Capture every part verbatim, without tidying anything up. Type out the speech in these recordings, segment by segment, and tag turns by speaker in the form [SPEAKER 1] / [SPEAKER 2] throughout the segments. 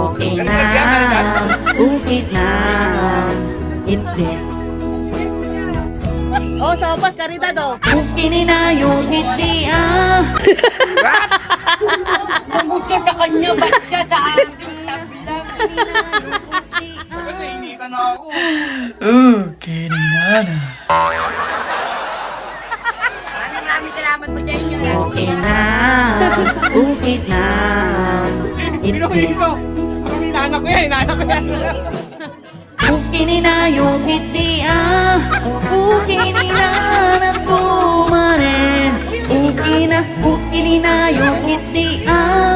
[SPEAKER 1] Okay na, okay na, hindi.
[SPEAKER 2] Oh, sopas, karidad oh.
[SPEAKER 1] Okay na yung hindi ah.
[SPEAKER 2] Mamutya sa kanya, ba't siya sa akin? Sabi lang.
[SPEAKER 3] Nahihinikan na ako.
[SPEAKER 1] Okay na na.
[SPEAKER 2] Maraming maraming salamat po sa inyo.
[SPEAKER 1] Okay na, okay na,
[SPEAKER 3] Pino ko
[SPEAKER 1] hindi.
[SPEAKER 3] iso. Parang inanak ko yan, inanak ko yan.
[SPEAKER 1] Okay na yung hindi ah. Okay na na pumarin. Okay na, okay na yung hindi ah.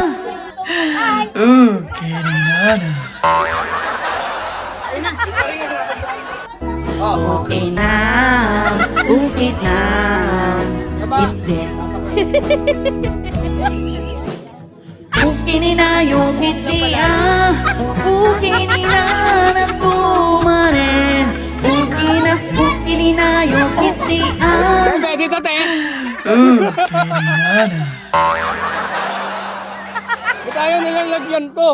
[SPEAKER 1] Okay na na.
[SPEAKER 3] Oh,
[SPEAKER 1] Okay na, okay na,
[SPEAKER 3] yaba.
[SPEAKER 1] hindi.
[SPEAKER 3] Nasa ko.
[SPEAKER 1] Okay na yung hindi ah. Okay na na pumarin. Okay na, okay na yung hindi ah.
[SPEAKER 3] Bebe, dito te.
[SPEAKER 1] Okay na na.
[SPEAKER 3] Ba't ayaw nilang lagyan to?